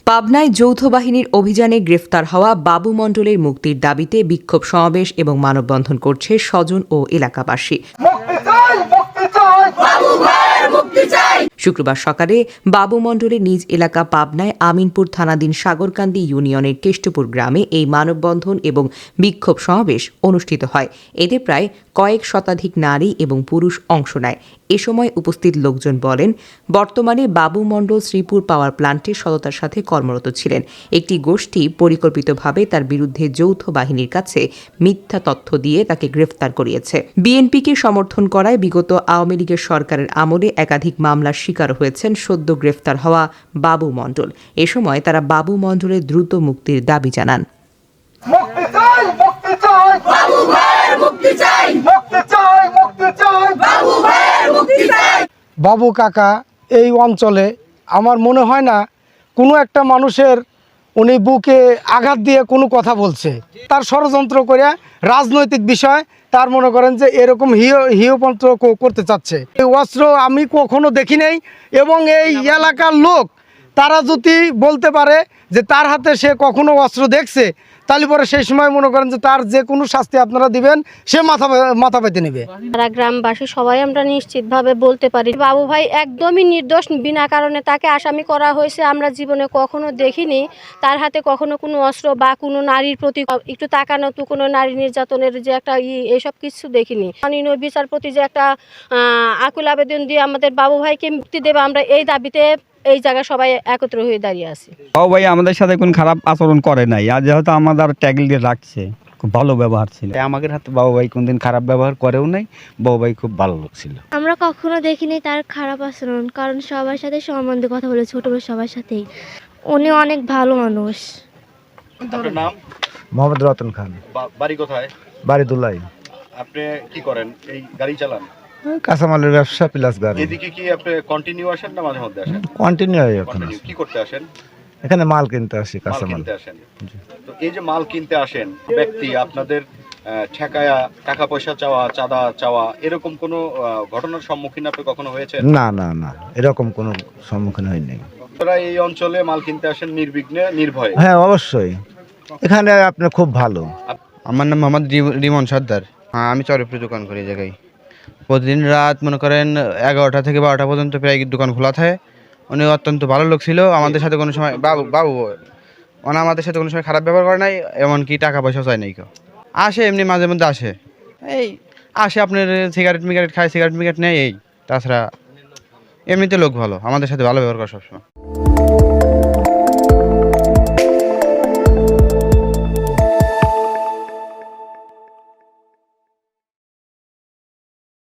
পাবনায় যৌথ বাহিনীর অভিযানে গ্রেফতার হওয়া বাবু মণ্ডলের মুক্তির দাবিতে বিক্ষোভ সমাবেশ এবং মানববন্ধন করছে স্বজন ও এলাকাবাসী। শুক্রবার সকালে বাবু মণ্ডলের নিজ এলাকা পাবনায় আমিনপুর থানাধীন সাগরকান্দি ইউনিয়নের কেষ্টপুর গ্রামে এই মানববন্ধন এবং বিক্ষোভ সমাবেশ অনুষ্ঠিত হয়। এতে প্রায় কয়েক শতাধিক নারী এবং পুরুষ অংশ নেয়। এ সময় উপস্থিত লোকজন বলেন, বর্তমানে বাবু মণ্ডল শ্রীপুর পাওয়ার প্লান্টে সততার সাথে কর্মরত ছিলেন। একটি গোষ্ঠী পরিকল্পিতভাবে তার বিরুদ্ধে যৌথ বাহিনীর কাছে মিথ্যা তথ্য দিয়ে তাকে গ্রেফতার করিয়েছে। বিএনপিকে সমর্থন করায় বিগত আওয়ামী লীগের সরকারের আমলে একাধিক মামলার শিকার হয়েছেন সদ্য গ্রেফতার হওয়া বাবু মণ্ডল। এ সময় তারা বাবু মণ্ডলের দ্রুত মুক্তির দাবি জানান। বাবু কাকা এই অঞ্চলে আমার মনে হয় না কোনো একটা মানুষের উনি বুকে আঘাত দিয়ে কোনো কথা বলছে। তার ষড়যন্ত্র করে রাজনৈতিক বিষয় তার মনে করেন যে এরকম হিয়পন্ত্র করতে চাচ্ছে। এই অস্ত্র আমি কখনো দেখি নাই, এবং এই এলাকার লোক তারা যদি বলতে পারে যে তার হাতে সে কখনো অস্ত্র দেখছে, তাহলে পরে সেই সময় মনে করেন যে তার যে কোনো শাস্তি আপনারা দিবেন, সে মাথা পেতে নেবে। তারা গ্রামবাসী সবাই আমরা নিশ্চিতভাবে বলতে পারি বাবু ভাই একদমই নির্দোষ, বিনা কারণে তাকে আসামি করা হয়েছে। আমরা জীবনে কখনো দেখিনি তার হাতে কখনো কোনো অস্ত্র বা কোনো নারীর প্রতি একটু তাকানো তো কোনো নারী নির্যাতনের যে একটা এসব কিছু দেখিনি। মাননীয় বিচারপতি যে একটা আকুল আবেদন দিয়ে আমাদের বাবু ভাইকে মুক্তি দেবে, আমরা এই দাবিতে এই জায়গায় সবাই একত্র হয়ে দাঁড়িয়ে আছি। বাবু ভাই আমাদের সাথে কোনো খারাপ আচরণ করে নাই, আর যেহেতু আমাদের ট্যাগল দিয়ে রাখছে, খুব ভালো ব্যবহার ছিল। আমাদের হাতে বাবু ভাই কোনদিন খারাপ ব্যবহার করেও নাই। বাবু ভাই খুব ভালো লোক ছিল। আমরা কখনো দেখিনি তার খারাপ আচরণ, কারণ সবার সাথে সম্বন্ধে কথা বলে, ছোট বড় সবার সাথেই। উনি অনেক ভালো মানুষ। আপনার নাম? মোহাম্মদ রতন খান। বাড়ি কোথায়? বাড়ি দুলাই। আপনি কি করেন? এই গাড়ি চালান? কাঁচামালের ব্যবসা প্লাস গাড়ি। এদিকে কি আপনি কন্টিনিউ আসেন না মাঝে মধ্যে আসেন? কন্টিনিউ এখন কন্টিনিউ কি করতে আসেন? এখানে মাল কিনতে আসি, মাল কাঁচামাল কিনতে আসেন। তো এই যে মাল কিনতে আসেন, ব্যক্তি আপনাদের ঠেকায়া টাকা পয়সা চাওয়া, চাঁদা চাওয়া, এরকম কোনো ঘটনার সম্মুখীন আপনি কখনো হয়েছেন? না না না, এরকম কোনো সম্মুখীন হয়নি। আপনারা এই অঞ্চলে মাল কিনতে আসেন নির্বিঘ্নে, নির্ভয়ে? হ্যাঁ অবশ্যই, এখানে আপনার খুব ভালো। আমার নাম মোহাম্মদ রিমন সর্দার। আমি চরপুরে দোকান করি এই জায়গায়। প্রতিদিন রাত মনে করেন 11টা থেকে 12টা পর্যন্ত প্রায় দোকান খোলা থাকে। উনি অত্যন্ত ভালো লোক ছিল, আমাদের সাথে কোনো সময় বাবু মানে আমাদের সাথে কোনো সময় খারাপ ব্যবহার করে নাই, এমনকি টাকা পয়সা চায় নাই কেউ। আসে এমনি মাঝে মধ্যে আসে, এই আসে আপনার সিগারেট খায়, সিগারেট নেয়, এই তাছাড়া এমনিতে লোক ভালো, আমাদের সাথে ভালো ব্যবহার করে সবসময়।